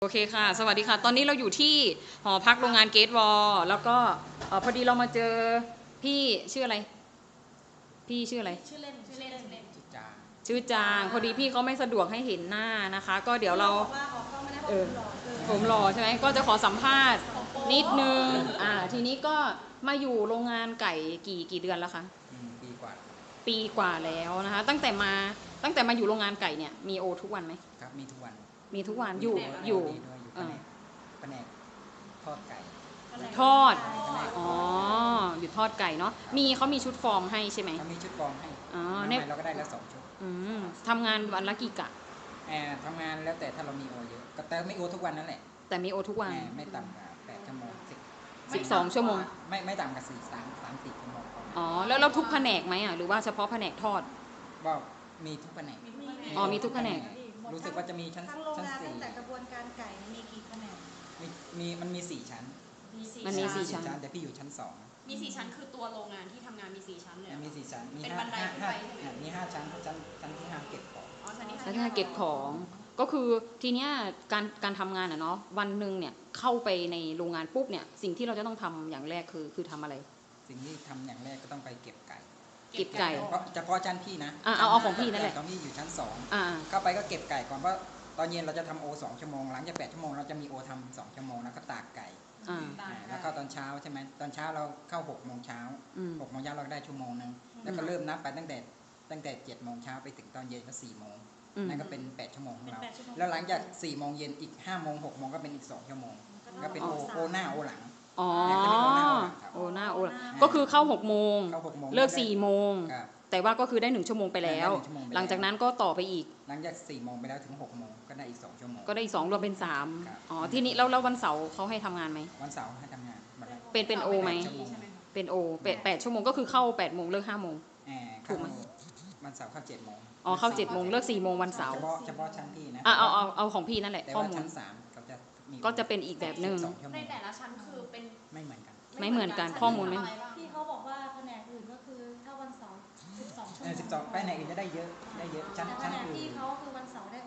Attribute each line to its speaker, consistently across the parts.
Speaker 1: โอเคค่ะสวัสดีค่ะตอนนี้เราอยู่ที่หอพักโรงงานเกตวอลแล้วก็พอดีเรามาเจอพี่ชื่ออะไรพี่ชื่ออะไร
Speaker 2: ชื่อเล่น
Speaker 1: ชื่อจางพอดีพี่เขาไม่สะดวกให้เห็นหน้านะคะก็เดี๋ยวเราผมรอใช่ไหมก็จะขอสัมภาษณ์นิดนึงทีนี้ก็มาอยู่โรงงานไก่กี่เดือนแล้วคะปีกว่าแล้วนะคะตั้งแต่มาอยู่โรงงานไก่เนี่ยมีโอทุกวันไหม
Speaker 3: ครับมีทุกวัน
Speaker 1: อยู่
Speaker 3: แผนกทอดไก่
Speaker 1: ทอดอ๋ออยู่ทอดไก่เนาะเขามีชุดฟอร์มให้ใช่ไหม
Speaker 3: เขามีชุดฟอร์มให้เราก็ได้แล้ว2 ชุด
Speaker 1: ทำงานวันละกี่กะ
Speaker 3: ทำงานแล้วแต่ถ้าเรามีโอเยอะก็แต่ไม่โอทุกวันนั่นแหละ
Speaker 1: แต่มีโอทุกวัน
Speaker 3: ไม่ต่ำกว่า8 ชั่วโมง
Speaker 1: 12 ชั่วโมง
Speaker 3: ไม่ต่ำกว่า3-4 ชั่วโมง
Speaker 1: อ๋อแล้วทุกแผนกไหมหรือว่าเฉพาะแผนกทอด
Speaker 3: ก็มีทุกแผนก
Speaker 1: มีทุกแผนก
Speaker 3: รู้สึกว่าจะมีชั้น
Speaker 2: 4ตั้งแต่กระบวนการไก่มีกี่แผนก
Speaker 3: มันมี4 ชั้น
Speaker 1: มันมี4 ชั้น
Speaker 3: แต่พี่อยู่ชั้น2
Speaker 4: มี4 ชั้นคือตัวโรงงานที่ทำงานมี4 ชั้นเลย
Speaker 3: มี4 ชั้น
Speaker 4: เป็นบันไดขึ้นไป
Speaker 3: มี5 ชั้นชั้นที่5เก็บของ
Speaker 4: ชั้นที่
Speaker 1: 5เก็บของก็คือทีเนี้ยการทำงานเนาะวันหนึ่งเนี่ยเข้าไปในโรงงานปุ๊บเนี่ยสิ่งที่เราจะต้องทำอย่างแรกคือทำอะไร
Speaker 3: สิ่งที่ทำอย่างแรกก็ต้องไปเก็บไก่เฉพาะชั้นพี่นะ
Speaker 1: เอาของพี่นั่นแหละ
Speaker 3: ตอนพี่อยู่ชั้น2เข้าไปก็เก็บไก่ก่อนเพราะตอนเย็นเราจะทำโอ2 ชั่วโมงหลังจาก8 ชั่วโมงเราจะมีโอทำ2 ชั่วโมงแล้วก็ตากไก่แล้วก็ตอนเช้าใช่ไหมตอนเช้าเราเข้า6 โมงเช้า6 โมงเช้าเราได้ชั่วโมงนึงแล้วก็เริ่มนับไปตั้งแต่7 โมงเช้าไปถึงตอนเย็นก็4 โมงนั่นก็เป็น8 ชั่วโมงของเราแล้วหลังจาก4 โมงเย็นอีก5 โมง6 โมงก็เป็นอีก2 ชั่วโมงก็เป็นโอหน้าโอหลัง
Speaker 1: โอหน้าก็คือเข้า6 โมงเลิก4 โมงแต่ว่าก็คือได้1 ชั่วโมงไปแล้วหลังจากนั้นก็ต่อไปอีก
Speaker 3: หลังจาก4 โมงไปแล้วถึง6 โมงก็ได้อีก2 ชั่วโมง
Speaker 1: ก็ได้อีก2รวมเป็น3ที่นี้แล้ววันเสาร์เขาให้ทำงานไหม
Speaker 3: วันเสาร์ให้ทำงาน
Speaker 1: เป็นโอไหมเป็นโอ8 ชั่วโมงก็คือเข้า8 โมงเลิก5 โมงถูกไหม
Speaker 3: วันเสาร์เข้า7 โมง
Speaker 1: เข้า7 โมงเลิก4 โมงวันเสาร์
Speaker 3: เฉพาะชั้นพี่นะ
Speaker 1: เอาของพี่นั่นแหละข้อมูล
Speaker 3: ชั้น3
Speaker 1: ก็จะเป็นอีกแบบนึง
Speaker 4: ในแต่ละชั้นคือเป็น
Speaker 3: ไม่เหมือน
Speaker 1: กันข้อมูลไม่
Speaker 2: พี่เขาบอกว่าแผนกอื่นก็คือถ้าวันเสาร์12 ชั่วโมง
Speaker 3: แผนกอื่นจะได้เยอะชั้น
Speaker 2: อื่นพี่เขาคือวันเสาร์ได้โอ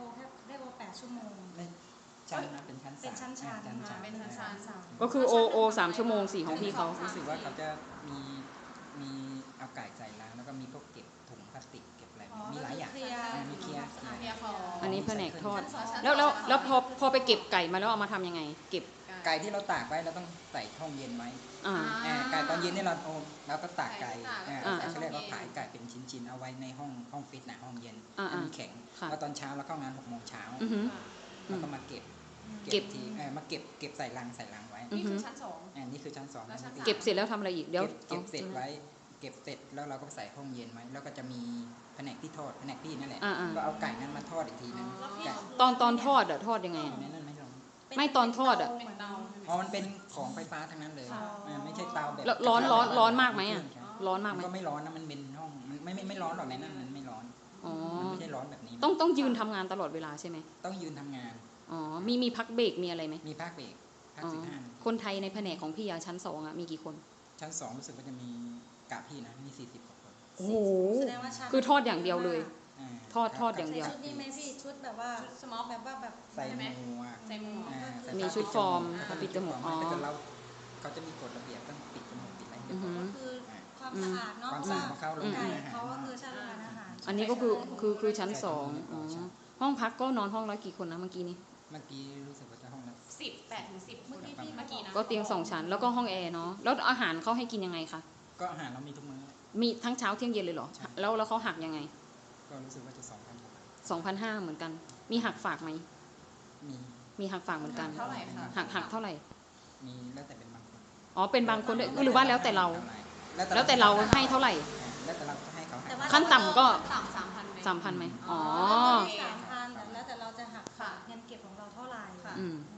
Speaker 2: 8 ชั่วโมง
Speaker 3: ชั้นนะเป็นชั้น
Speaker 2: เป็นชั้น
Speaker 1: ก็คือโอ3 ชั่วโมง4ของพี่เขา
Speaker 3: รู้สึกว่าเขาจะมีเอาไก่ใส่ล้างแล้วก็มีพวกเก็บถุงพลาสติกเก็บอะไรมีหลายอย่างมีเคลียร์
Speaker 1: อันนี้แผนกทอดแล้วพอไปเก็บไก่มาแล้วเอามาทำยังไงเก็บ
Speaker 3: ไก่ที่เราตากไว้เราต้องใส่ห้องเย็นไว้ไก่ตอนเย็นนี่เราก็ตากไก่เขาเรียกว่าขายไก่เป็นชิ้นๆเอาไว้ในห้องฟิตนะห้องเย็นมันแข็งแล้วตอนเช้าเราเข้างาน6 โมงเช้าแล้วก็มาเก็บทีมาเก็บใส่ลังไว้
Speaker 4: นี่คือชั้น2
Speaker 3: นี่คือชั้น2
Speaker 1: เก็บเสร็จแล้วทำอะไรอีกเดี๋ยว
Speaker 3: เก็บเสร็จแล้วเราก็ใส่ห้องเย็นไว้แล้วก็จะมีแผนกที่ทอดแผนกพี่นั่นแหละก็เอาไก่นั้นมาทอดอีกทีนึง
Speaker 1: ตอนทอดทอดยังไงไม่ตอนทอด
Speaker 3: มันเป็นของไฟฟ้าทั้งนั้นเลยไม่ใช่เตาแบบ
Speaker 1: ร้อนมากไหมร้อนมากไหม
Speaker 3: ก็ไม่ร้อนนะมันเป็นห้องไม่ร้อนหรอกในนั้นมันไม่ร้อนมันไม่ใช่ร้อนแบบนี้
Speaker 1: ต้องยืนทำงานตลอดเวลาใช่ไหม
Speaker 3: ต้องยืนทำงาน
Speaker 1: มีพักเบรกมีอะไรไหม
Speaker 3: มีพักเบรกพัก15
Speaker 1: คนไทยในแผนกของพี่ชั้น2มีกี่คน
Speaker 3: ชั้น2รู้สึกว่าจะมีกะพี่นะมี40 กว่าคน
Speaker 1: โอ้โหคือทอดอย่างเดียวเลยทอดอย่างเดียว
Speaker 2: ชุดนี้ไหมพี่ชุดแบบว่าสมอลแบบ
Speaker 3: ใส่หมวก
Speaker 1: มีชุดฟอร์มปิดจมูก
Speaker 3: เขาจะมีกฎระเบียบต้องปิดจมูกปิดอะไร
Speaker 2: ก็คือความสะอาดเนาะ
Speaker 3: ความสะอาดของเขาโรงงาน
Speaker 2: เขาก็คือชั้นโรงงานอาหาร
Speaker 1: อันนี้ก็คือชั้น2ห้องพักก็นอนห้องละกี่คนนะเมื่อกี้นี้
Speaker 3: รู้สึกว่าจะห้องละ
Speaker 4: 8 ถึง 10 เมื่อกี้นะ
Speaker 1: ก็เตียง2 ชั้นแล้วก็ห้องแอร์เนาะแล้วอาหารเขาให้กินยังไงคะ
Speaker 3: ก็อาหารเรามีทุกมื้อ
Speaker 1: มีทั้งเช้าเที่ยงเย็นเลยเหรอแล้วเขาหักยังไง
Speaker 3: ก็รู้สึกว่าจะ
Speaker 1: 2,500เหมือนกันมีหักฝากไหมมีหักฝากเหมือนกัน
Speaker 4: เท่าไหร่คะ
Speaker 1: หักเท่าไหร่
Speaker 3: มีแล้วแต่เป็นบางคน
Speaker 1: เป็นบางคนด้วยหรือว่าแล้วแต่เราให้เท่าไหร่
Speaker 3: แล้วแต่เราจะให้เขา
Speaker 1: ขั้นต่ำก็
Speaker 4: 3,000
Speaker 1: ไหม
Speaker 2: 3,000แล้วแต่เราจะหักเงินเก็บของเราเท่าไหร่